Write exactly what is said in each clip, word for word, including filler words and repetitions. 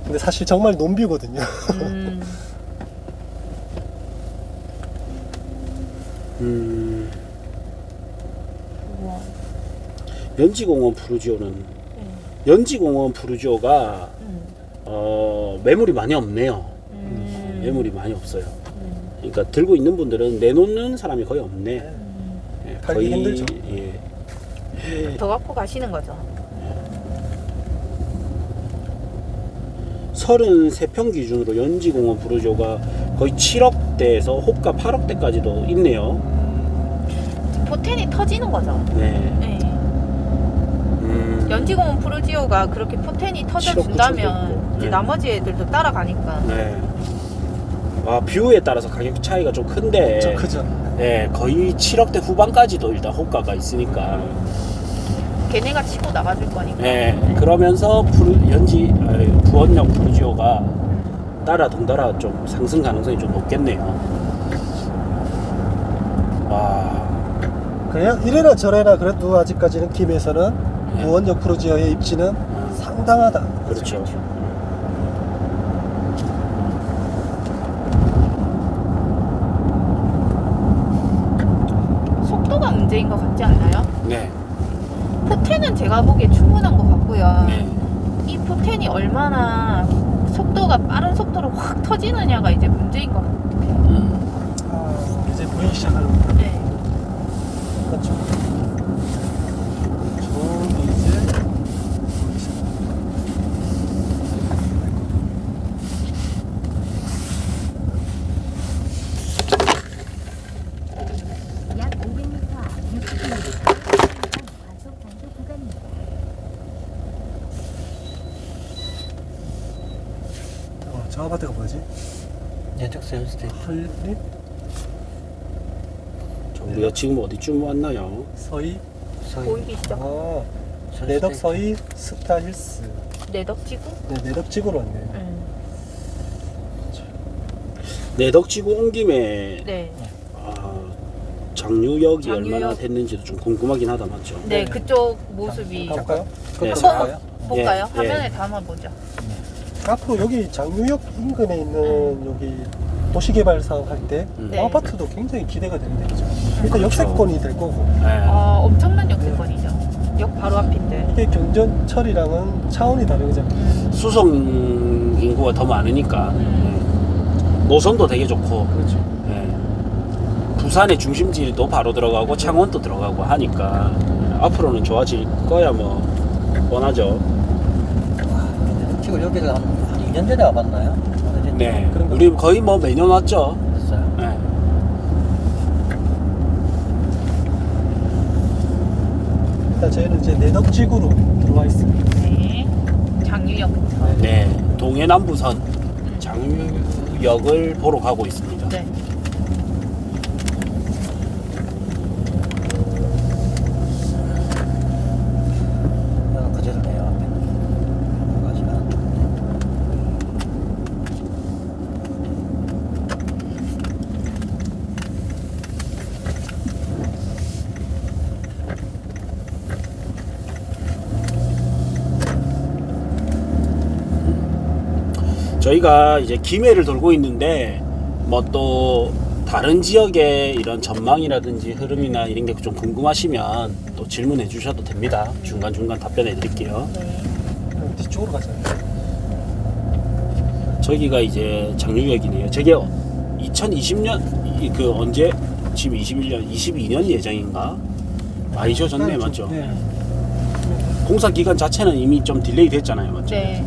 근데 사실 정말 논뷰거든요. 음. 음, 우와. 연지공원 푸르지오는 네. 연지공원 푸르지오가 음. 어, 매물이 많이 없네요. 음. 매물이 많이 없어요. 음. 그러니까 들고 있는 분들은 내놓는 사람이 거의 없네. 음. 예, 팔기 힘들죠. 예. 더 갖고 가시는 거죠? 서른세 평 기준으로 연지공원 푸르지오가 거의 칠억대에서 호가 팔억대까지도 있네요. 포텐이 터지는 거죠? 네. 네. 음, 연지공원 푸르지오가 그렇게 포텐이 터져준다면 칠억 이제 네. 나머지 애들도 따라가니까. 네. 와, 뷰에 따라서 가격 차이가 좀 큰데. 좀 크죠. 네, 거의 칠억대 후반까지도 일단 호가가 있으니까. 걔네가 치고 나가줄 거니까. 네, 그러면서 푸르, 연지 아니, 부원역 푸르지오가 음. 따라 덩달아 좀 상승 가능성이 좀 높겠네요. 와, 그냥 이래나 저래나 그래도 아직까지는 팀에서는 네. 무원역 푸르지오의 입지는 음, 상당하다. 그렇죠. 속도가 문제인 것 같지 않나요? 네, 포텐은 제가 보기에 충분한 것 같고요. 네, 이 포텐이 얼마나 속도가 빠른 속도로 확 터지느냐가 이제 문제인 것 같아요. 음, 아, 이제 보이기 시작하는구나. 네. 그렇죠. 저기 이제 보이기 시작. 약 오백 미터 앞 육십 킬로미터 과속 단속 구간입니다. 어, 저 아파트가 뭐지? 내적 세일스테이트. 헐립? 저 우리가 지금 어디쯤 왔나요? 서희? 서희. 보이기 시작. 아, 세일스테이트. 내덕 서희 스타힐스. 내덕지구? 네, 내덕지구로 왔네. 음. 내덕지구 온 김에 네. 아, 장유역이 장유역. 얼마나 됐는지도 좀 궁금하긴 하다, 맞죠? 네, 네. 그쪽 모습이 가볼까요? 네, 그것도 사- 볼까요? 볼까요? 예, 화면에 예. 담아보죠. 앞으로 여기 장유역 인근에 있는 음. 여기 도시개발 사업 할 때 음. 네. 아파트도 굉장히 기대가 되는데 그죠? 일단 그렇죠. 역세권이 될 거고 네. 아, 엄청난 역세권이죠. 역 바로 앞인데. 이게 경전철이랑은 차원이 다른 거잖아요. 음. 수송 인구가 더 많으니까 음. 노선도 되게 좋고 그렇죠. 예. 부산의 중심지도 바로 들어가고 창원도 들어가고 하니까 앞으로는 좋아질 거야 뭐 뻔하죠. 지금 여기가 한, 한 이 년 전에 와봤나요? 오래됐나요? 네, 그런가? 우리 거의 뭐 매년 왔죠. 됐어요. 네. 일단 저희는 이제 내덕지구로 들어와 있습니다. 네. 장유역부터. 네, 동해남부선 장유역을 보러 가고 있습니다. 네. 어, 그대로네요. 앞에. 가시면. 저희가 이제 김해를 돌고 있는데 뭐 또 다른 지역의 이런 전망이라든지 흐름이나 이런 게 좀 궁금하시면 또 질문해 주셔도 됩니다. 중간중간 답변해 드릴게요. 네. 그럼 뒤쪽으로 가잖아요. 저기가 이제 장유역이네요. 저게 이천이십 년 그 언제 지금 이십일 년 이십이 년 예정인가? 많이 지어졌네, 맞죠? 네. 공사 기간 자체는 이미 좀 딜레이 됐잖아요, 맞죠? 네.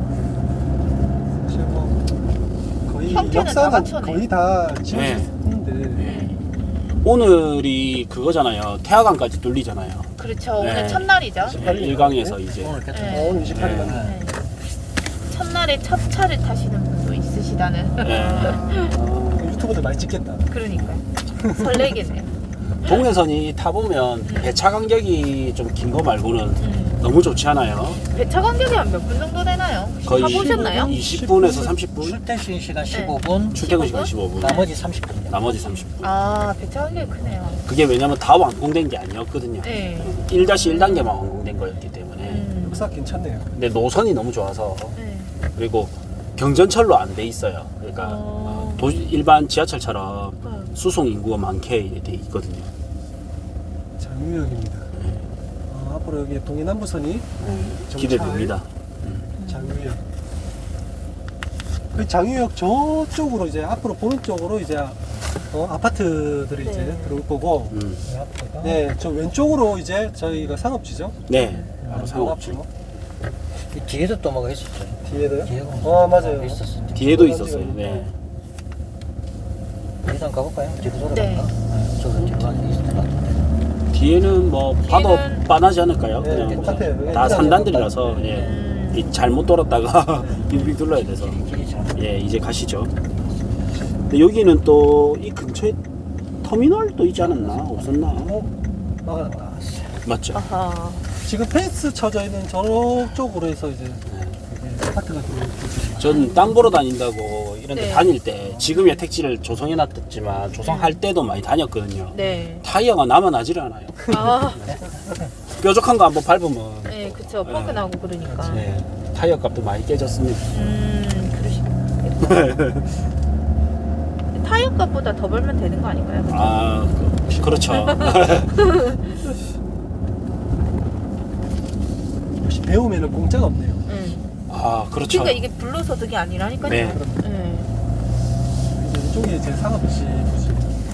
사실 뭐 거의 형태는 다 역사는 맞춰내. 거의 다 네. 지어졌는데 네. 오늘이 그거잖아요. 태화강까지 뚫리잖아요. 그렇죠. 네. 오늘 첫날이죠. 이십팔 일. 일강에서 이제 오늘 개통. 네. 어, 오늘 이십팔 일 네. 맞네. 네. 첫날에 첫 차를 타시는 분도 있으시다는. 네. 유튜브도 많이 찍겠다. 그러니까요. 설레겠네요. 동해선이 타보면 배차 간격이 좀 긴 거 말고는 음. 너무 좋지 않아요? 배차 간격이 한 몇 분 정도 되나요? 거의 타보셨나요? 이십 분에서 삼십 분? 출퇴근 시간 십오 분, 출퇴근 십오 분? 시간 십오 분, 나머지 삼십 분이요. 나머지 삼십 분. 아, 배차 간격이 크네요. 그게 왜냐면 다 완공된 게 아니었거든요. 네. 일 일 단계만 완공된 거였기 때문에. 음. 역사 괜찮네요. 근데 노선이 너무 좋아서 네. 그리고 경전철로 안 돼 있어요. 그러니까 어. 도, 일반 지하철처럼 네. 수송 인구가 많게 돼 있거든요. 장유역입니다. 어, 앞으로 여기 동해남부선이 정찰, 기대됩니다. 장유역. 그 장유역 저쪽으로 이제 앞으로 보는 쪽으로 이제 어, 아파트들이 네. 이제 들어올 거고, 음. 네, 저 왼쪽으로 이제 저희가 상업지죠. 네, 바로 상업지. 앞으로. 이 뒤에도 또 뭐가 있었죠. 뒤에도요? 뒤에가 어, 맞아요. 있었어. 뒤에도 있었어요. 네. 일단 가볼까요? 뒤로 돌아갈까? 네. 저기 뒤로 가는 게 있을 것 같은데. 뒤에는 뭐 봐도 뒤에는- 빤하지 않을까요? 네, 그냥 똑같아요. 다 일단은 산단들이라서 똑같- 예. 음. 이 잘못 돌았다가 빙빙 둘러야 돼서 길이 잘. 예 이제 가시죠. 근데 여기는 또 이 근처에 터미널도 있지 않았나? 없었나? 어, 막아놨다. 맞죠? 아하. 지금 펜스 쳐져 있는 저쪽으로 해서 이제 이게 아파트가 들어오고 있죠. 전 땅 보러 다닌다고 이런 데 네. 다닐 때 지금의 택지를 조성해놨지만 조성할 때도 많이 다녔거든요. 네. 타이어가 남아나질 않아요. 아, 뾰족한 거 한번 밟으면 네, 그쵸. 펑크 나고 그러니까. 네, 타이어 값도 많이 깨졌습니다. 음, 그러시겠다. 타이어 값보다 더 벌면 되는 거 아닌가요? 아 그, 그렇죠. 역시 배우면은 공짜가 없네요. 음. 아 그렇죠. 그러니까 이게 불로소득이 아니라니까요. 네. 네. 이제 이쪽에 이제 상업지 부지.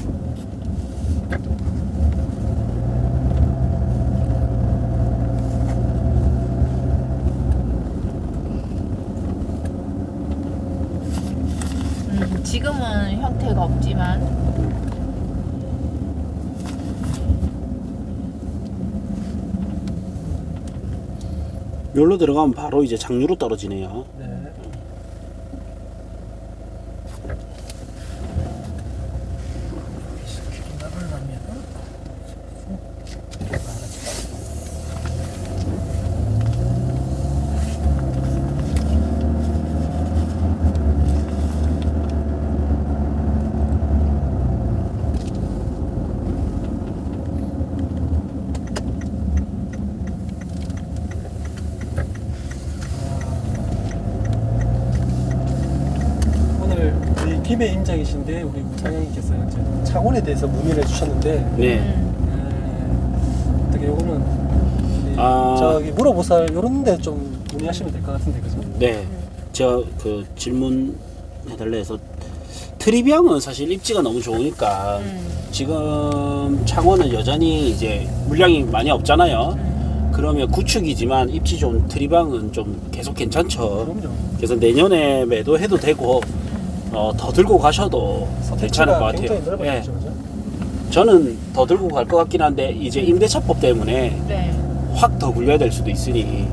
음, 지금은 형태가 없지만 여기로 들어가면 바로 이제 장류로 떨어지네요. 네. 오늘 우리 김해 임장이신데 우리 우상영님께서 이제 창원에 대해서 문의를 해주셨는데 네. 음, 네, 어떻게 요거는 네, 아. 저기 물어보살 요런데 좀 문의하시면 될 것 같은데 그죠? 네. 제가 그 질문 해달래 해서 트리비앙은 사실 입지가 너무 좋으니까 음, 지금 창원은 여전히 이제 물량이 많이 없잖아요. 음. 그러면 구축이지만 입지 좋은 트리비앙은 좀 계속 괜찮죠. 그럼요. 그래서 내년에 매도해도 되고 어, 더 들고 가셔도 괜찮을 것 선택지가 같아요. 굉장히 넓어졌죠, 예. 그죠? 저는 더 들고 갈 것 같긴 한데 이제 임대차법 때문에 네. 확 더 굴려야 될 수도 있으니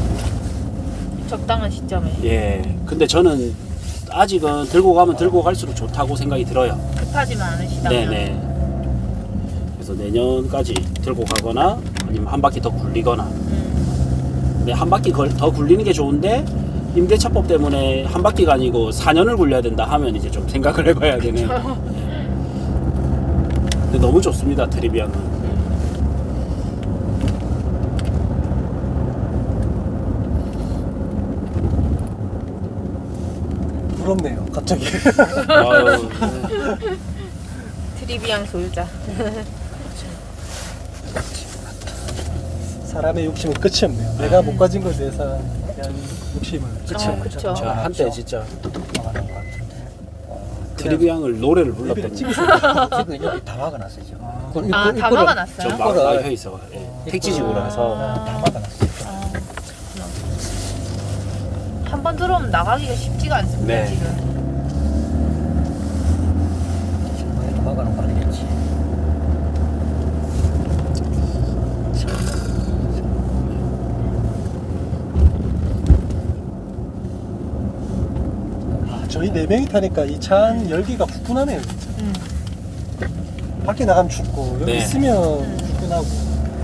적당한 시점에 예. 근데 저는 아직은 들고 가면 들고 갈수록 좋다고 생각이 들어요. 급하지만 않으시다면 네네. 그래서 내년까지 들고 가거나 아니면 한 바퀴 더 굴리거나. 음, 근데 한 바퀴 걸- 더 굴리는 게 좋은데 임대차법 때문에 한 바퀴가 아니고 사 년을 굴려야 된다 하면 이제 좀 생각을 해봐야 되네요. 근데 너무 좋습니다, 트리비앙은. 부럽네요 갑자기. 아유, 트리비앙 소유자. 사람의 욕심은 끝이 없네요. 내가 못 가진 것에 대해서 대한 욕심은 끝이 어, 없네요. 그쵸. 저 한때 진짜 막아놓은 것 같은데. 트리비앙을 노래를 레벨을 불렀던 찍으세요. 지금 여기 다 막아놨어요 지금. 아, 그걸 아, 입구- 다 입구를- 막아놨어요? 저 이거를- 막, 막혀 있어. 예. 택지지구라서. 다 막아놨어요. 아, 한 번 들어오면 나가기가 쉽지가 않습니다. 네. 지금. 지금 다 막아놓은 거 아니겠지. 아, 저희 네 명이 타니까 이 차 안 열기가 후끈하네요. 진짜. 음. 밖에 나가면 춥고 여기 네. 있으면 음. 후끈하고.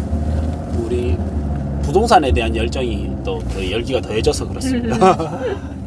우리 부동산에 대한 열정이 또 그 열기가 더해져서 그렇습니다.